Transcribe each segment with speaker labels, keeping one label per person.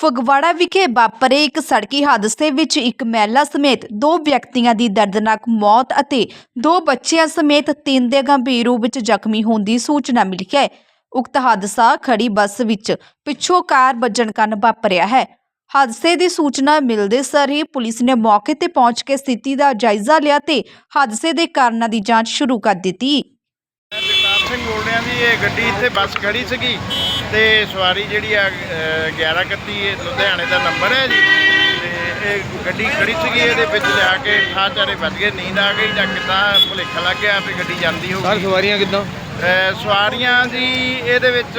Speaker 1: ਫਗਵਾੜਾ ਵਿਖੇ ਵਾਪਰੇ ਇੱਕ ਸੜਕੀ ਹਾਦਸੇ ਵਿੱਚ ਇੱਕ ਮਹਿਲਾ ਸਮੇਤ 2 ਵਿਅਕਤੀਆਂ ਦੀ ਦਰਦਨਾਕ ਮੌਤ ਅਤੇ 2 ਬੱਚਿਆਂ ਸਮੇਤ 3 ਦੇ ਗੰਭੀਰ ਰੂਪ ਵਿੱਚ ਜ਼ਖਮੀ ਹੋਣ ਦੀ ਸੂਚਨਾ ਮਿਲੀ ਹੈ। ਉਕਤ ਹਾਦਸਾ ਖੜੀ ਬੱਸ ਵਿੱਚ ਪਿੱਛੋਂ ਕਾਰ ਵੱਜਣ ਕਾਰਨ ਵਾਪਰਿਆ ਹੈ। ਹਾਦਸੇ ਦੀ ਸੂਚਨਾ ਮਿਲਦੇ ਸਾਰ ਹੀ ਪੁਲਿਸ ਨੇ ਮੌਕੇ ਤੇ ਪਹੁੰਚ ਕੇ ਸਥਿਤੀ ਦਾ ਜਾਇਜ਼ਾ ਲਿਆ ਤੇ ਹਾਦਸੇ ਦੇ ਕਾਰਨਾਂ ਦੀ ਜਾਂਚ ਸ਼ੁਰੂ ਕਰ ਦਿੱਤੀ।
Speaker 2: ਜਗਤਾਰ ਸਿੰਘ ਬੋਲ ਰਿਹਾ ਜੀ। ਇਹ ਗੱਡੀ ਇੱਥੇ ਬੱਸ ਖੜੀ ਸੀਗੀ ਤੇ ਸਵਾਰੀ ਜਿਹੜੀ ਆ 1131 ਲੁਧਿਆਣੇ ਦਾ ਨੰਬਰ ਹੈ ਜੀ। ਤੇ ਇਹ ਗੱਡੀ ਖੜੀ ਸੀਗੀ, ਇਹਦੇ ਵਿੱਚ ਲਿਆ ਕੇ ਠਾਹ ਚਾਰੇ ਵੱਜ ਗਏ। ਨੀਂਦ ਆ ਗਈ ਜਾਂ ਕਿੱਦਾਂ ਭੁਲੇਖਾ ਲੱਗ ਗਿਆ ਵੀ ਗੱਡੀ ਜਾਂਦੀ ਹੋਊਗੀ।
Speaker 3: ਸਵਾਰੀਆਂ ਕਿੱਦਾਂ?
Speaker 2: ਸਵਾਰੀਆਂ ਜੀ ਇਹਦੇ ਵਿੱਚ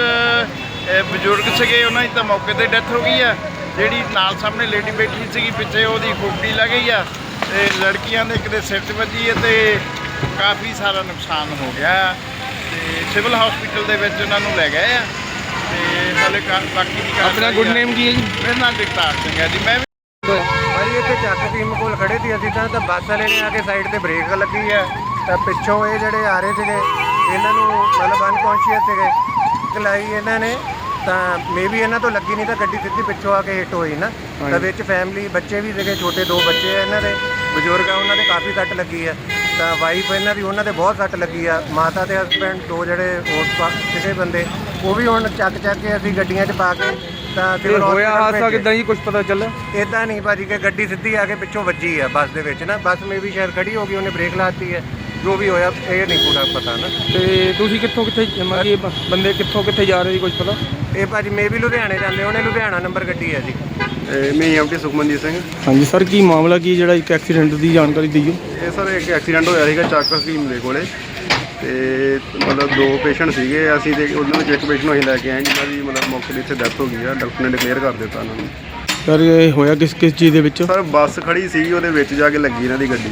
Speaker 2: ਬਜ਼ੁਰਗ ਸੀਗੇ, ਉਹਨਾਂ ਦੀ ਤਾਂ ਮੌਕੇ ਤੇ ਡੈਥ ਹੋ ਗਈ ਆ। ਜਿਹੜੀ ਨਾਲ ਸਾਹਮਣੇ ਲੇਡੀ ਬੈਠੀ ਸੀਗੀ ਪਿੱਛੇ, ਉਹਦੀ ਖੋਪੜੀ ਲੱਗ ਗਈ ਆ ਤੇ ਲੜਕੀਆਂ ਦੇ ਇੱਕ ਦੇ ਸਿਰ 'ਚ ਵੱਜੀ ਹੈ ਤੇ ਕਾਫੀ ਸਾਰਾ ਨੁਕਸਾਨ ਹੋ ਗਿਆ ਤੇ ਸਿਵਲ ਹਸਪੀਟਲ ਦੇ ਵਿੱਚ ਉਹਨਾਂ ਨੂੰ ਲੈ ਗਏ ਆ ਤੇ ਹਾਲੇ ਬਾਕੀ ਦੀ
Speaker 3: ਆਪਣਾ ਗੁੱਡ ਨੇਮ ਕੀ ਹੈ ਜੀ?
Speaker 2: ਮੇਰੇ ਨਾਲ ਜਗਤਾਰ ਸਿੰਘ ਹੈ ਜੀ। ਮੈਂ
Speaker 4: ਭਾਜੀ ਇੱਥੇ ਚੱਕ ਟੀਮ ਕੋਲ ਖੜੇ ਸੀ ਅਸੀਂ ਤਾਂ ਬੱਸ ਵਾਲੇ ਨੇ ਆ ਕੇ ਸਾਈਡ ਤੇ ਬ੍ਰੇਕ ਲੱਗੀ ਹੈ ਤਾਂ ਪਿੱਛੋਂ ਇਹ ਜਿਹੜੇ ਆ ਰਹੇ ਸੀਗੇ ਇਹਨਾਂ ਨੂੰ ਮਤਲਬ ਅਨਕੌਂਸ਼ੀਅਸ ਸੀਗੇ, ਚਲਾਈ ਇਹਨਾਂ ਨੇ ਤਾਂ ਮੇਬੀ ਇਹਨਾਂ ਤੋਂ ਲੱਗੀ ਨਹੀਂ ਤਾਂ ਗੱਡੀ ਸਿੱਧੀ ਪਿੱਛੋਂ ਆ ਕੇ ਹਿੱਟ ਹੋਈ ਨਾ। ਤਾਂ ਵਿੱਚ ਫੈਮਿਲੀ ਬੱਚੇ ਵੀ ਸੀਗੇ, ਛੋਟੇ 2 ਬੱਚੇ ਆ ਇਹਨਾਂ ਦੇ, ਬਜ਼ੁਰਗ ਆ ਉਹਨਾਂ ਦੇ ਕਾਫੀ ਸੱਟ ਲੱਗੀ ਹੈ। ਤਾਂ ਵਾਈਫ ਇਹਨਾਂ ਦੀ, ਉਹਨਾਂ ਦੇ ਬਹੁਤ ਸੱਟ ਲੱਗੀ ਆ। ਮਾਤਾ ਤੇ ਹਸਬੈਂਡ 2 ਜਿਹੜੇ ਹੋਰ ਸੀਗੇ ਬੰਦੇ, ਉਹ ਵੀ ਹੁਣ ਚੱਕ ਕੇ ਅਸੀਂ ਗੱਡੀਆਂ 'ਚ ਪਾ ਕੇ ਤਾਂ
Speaker 3: ਤੇ ਹੋਇਆ ਹਾਦਸਾ ਕਿੱਦਾਂ ਜੀ, ਕੁਝ ਪਤਾ ਚੱਲਾ?
Speaker 4: ਇੱਦਾਂ ਨਹੀਂ ਭਾਜੀ ਕਿ ਗੱਡੀ ਸਿੱਧੀ ਆ ਕੇ ਪਿੱਛੋਂ ਵੱਜੀ ਆ ਬੱਸ ਦੇ ਵਿੱਚ ਨਾ। ਬੱਸ ਮੇ ਵੀ ਸ਼ਾਇਦ ਖੜੀ ਹੋ ਗਈ, ਉਹਨੇ ਬ੍ਰੇਕ ਲਾਤੀ ਹੈ। ਜੋ ਵੀ ਹੋਇਆ ਇਹ ਨਹੀਂ ਪੂਰਾ ਪਤਾ ਨਾ।
Speaker 3: ਤੇ ਤੁਸੀਂ ਕਿੱਥੇ ਬੰਦੇ ਕਿੱਥੇ ਜਾ ਰਹੇ ਸੀ, ਕੁਝ ਪਤਾ?
Speaker 4: ਇਹ ਭਾਜੀ ਮੇ ਵੀ ਲੁਧਿਆਣੇ ਜਾਂਦੇ, ਉਹਨੇ ਲੁਧਿਆਣਾ ਨੰਬਰ ਗੱਡੀ ਹੈ ਜੀ।
Speaker 5: ਮੈਂ ਐਮਟੀ ਸੁਖਮਨਜੀਤ ਸਿੰਘ।
Speaker 3: ਹਾਂਜੀ ਸਰ, ਕੀ ਮਾਮਲਾ ਕੀ ਜਿਹੜਾ ਇੱਕ ਐਕਸੀਡੈਂਟ ਦੀ ਜਾਣਕਾਰੀ ਦਿਓ?
Speaker 5: ਇਹ ਸਰ ਇੱਕ ਐਕਸੀਡੈਂਟ ਹੋਇਆ ਸੀਗਾ ਚੱਕ ਹਕੀਮ ਦੇ ਕੋਲੇ ਤੇ ਮਤਲਬ 2 ਪੇਸ਼ੈਂਟ ਸੀਗੇ ਅਸੀਂ ਤੇ ਉਹਨਾਂ ਵਿੱਚ ਇੱਕ ਪੇਸ਼ੈਂਟ ਨੂੰ ਅਸੀਂ ਲੈ ਕੇ ਆਏ ਜਿਨ੍ਹਾਂ ਦੀ ਮਤਲਬ ਮੌਕੇ 'ਤੇ ਇੱਥੇ ਡੈਥ ਹੋ ਗਈ ਆ। ਡਾਕਟਰ ਨੇ ਡਿਕਲੇਅਰ ਕਰ ਦਿੱਤਾ ਉਹਨਾਂ ਨੂੰ।
Speaker 3: ਸਰ ਇਹ ਹੋਇਆ ਕਿਸ ਚੀਜ਼ ਦੇ ਵਿੱਚ?
Speaker 5: ਸਰ ਬੱਸ ਖੜੀ ਸੀਗੀ, ਉਹਦੇ ਵਿੱਚ ਜਾ ਕੇ ਲੱਗੀ ਇਹਨਾਂ ਦੀ ਗੱਡੀ।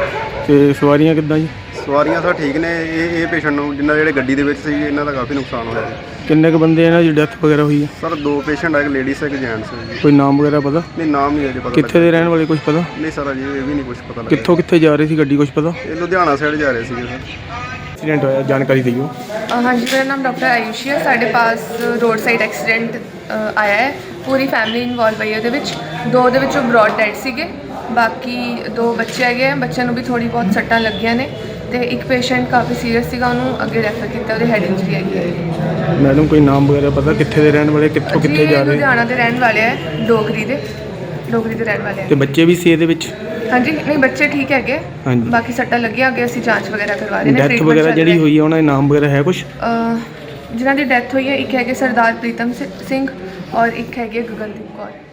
Speaker 3: ਤੇ ਸਵਾਰੀਆਂ ਕਿੱਦਾਂ ਜੀ?
Speaker 5: ਸਵਾਰੀਆਂ ਸਰ ਠੀਕ ਨੇ। ਇਹ ਪੇਸ਼ੈਂਟ ਨੂੰ ਜਿਨ੍ਹਾਂ ਜਿਹੜੇ ਗੱਡੀ ਦੇ ਵਿੱਚ ਸੀਗੇ ਇਹਨਾਂ ਦਾ ਕਾਫੀ ਨੁਕਸਾਨ ਹੋਇਆ ਜੀ।
Speaker 3: ਕਿੰਨੇ ਕੁ ਬੰਦੇ ਇਹਨਾਂ ਦੀ ਡੈਥ ਵਗੈਰਾ ਹੋਈ ਹੈ?
Speaker 5: ਸਰ 2 ਪੇਸ਼ੈਂਟ ਆ, ਇੱਕ ਲੇਡੀਜ਼ ਇੱਕ ਜੈਂਟਸ ਜੀ।
Speaker 3: ਕੋਈ ਨਾਮ ਵਗੈਰਾ ਪਤਾ?
Speaker 5: ਨਹੀਂ ਨਾਮ ਨਹੀਂ ਅਜੇ ਪਤਾ।
Speaker 3: ਕਿੱਥੇ ਦੇ ਰਹਿਣ ਵਾਲੇ ਕੁਝ ਪਤਾ?
Speaker 5: ਨਹੀਂ ਸਰ ਅਜੇ ਇਹ ਵੀ ਨਹੀਂ ਕੁਝ ਪਤਾ ਲੱਗਾ।
Speaker 3: ਕਿੱਥੇ ਜਾ ਰਹੀ ਸੀ ਗੱਡੀ, ਕੁਝ ਪਤਾ?
Speaker 5: ਇਹ ਲੁਧਿਆਣਾ ਸਾਈਡ ਜਾ ਰਹੇ ਸੀਗੇ ਸਰ।
Speaker 3: एक्सीडेंट होया, जानकारी दियो।
Speaker 6: हाँ जी, मेरा नाम डॉक्टर आयुषी है। साढ़े पास रोड साइड एक्सीडेंट आया है, पूरी फैमिली इन्वॉल्व है। ਉਹਦੇ ਵਿੱਚ 2 ਦੇ ਵਿੱਚੋਂ ਬ੍ਰੌਡ ਡੈਡ ਸੀਗੇ, ਬਾਕੀ 2 ਬੱਚੇ ਹੈਗੇ ਆ। ਬੱਚਿਆਂ ਨੂੰ ਵੀ ਥੋੜੀ ਬਹੁਤ ਸੱਟਾਂ ਲੱਗੀਆਂ ਨੇ ਤੇ ਇੱਕ ਪੇਸ਼ੈਂਟ ਕਾਫੀ ਸੀਰੀਅਸ ਸੀਗਾ, ਉਹਨੂੰ ਅੱਗੇ ਰੈਫਰ ਕੀਤਾ, ਉਹਦੇ ਹੈਡ ਇੰਜਰੀ ਹੈਗੀ ਹੈ।
Speaker 3: ਮੈਡਮ ਕੋਈ ਨਾਮ ਵਗੈਰਾ ਪਤਾ ਕਿੱਥੇ ਦੇ ਰਹਿਣ ਵਾਲੇ, ਕਿੱਥੇ ਜਾ ਰਹੇ?
Speaker 6: ਲੁਧਿਆਣਾ ਦੇ ਰਹਿਣ ਵਾਲੇ ਆ, ਡੋਗਰੀ ਦੇ ਰਹਿਣ ਵਾਲੇ ਆ।
Speaker 3: ਤੇ ਬੱਚੇ ਵੀ ਸੀ ਇਹਦੇ ਵਿੱਚ?
Speaker 6: ਹਾਂਜੀ, ਨਹੀਂ ਬੱਚੇ ਠੀਕ ਹੈਗੇ,
Speaker 3: ਹਾਂਜੀ।
Speaker 6: ਬਾਕੀ ਸੱਟਾਂ ਲੱਗੀਆਂ, ਅੱਗੇ ਅਸੀਂ ਜਾਂਚ ਵਗੈਰਾ ਕਰਵਾ ਰਹੇ ਨੇ।
Speaker 3: ਡੈਥ ਵਗੈਰਾ ਜਿਹੜੀ ਹੋਈ ਹੈ ਉਹਨਾਂ ਦੇ ਨਾਮ ਵਗੈਰਾ ਹੈ ਕੁਝ?
Speaker 6: ਜਿਨ੍ਹਾਂ ਦੀ ਡੈਥ ਹੋਈ ਹੈ, ਇੱਕ ਹੈਗੇ ਸਰਦਾਰ ਪ੍ਰੀਤਮ ਸਿੰਘ ਔਰ ਇੱਕ ਹੈਗੇ ਗਗਨਦੀਪ ਕੌਰ।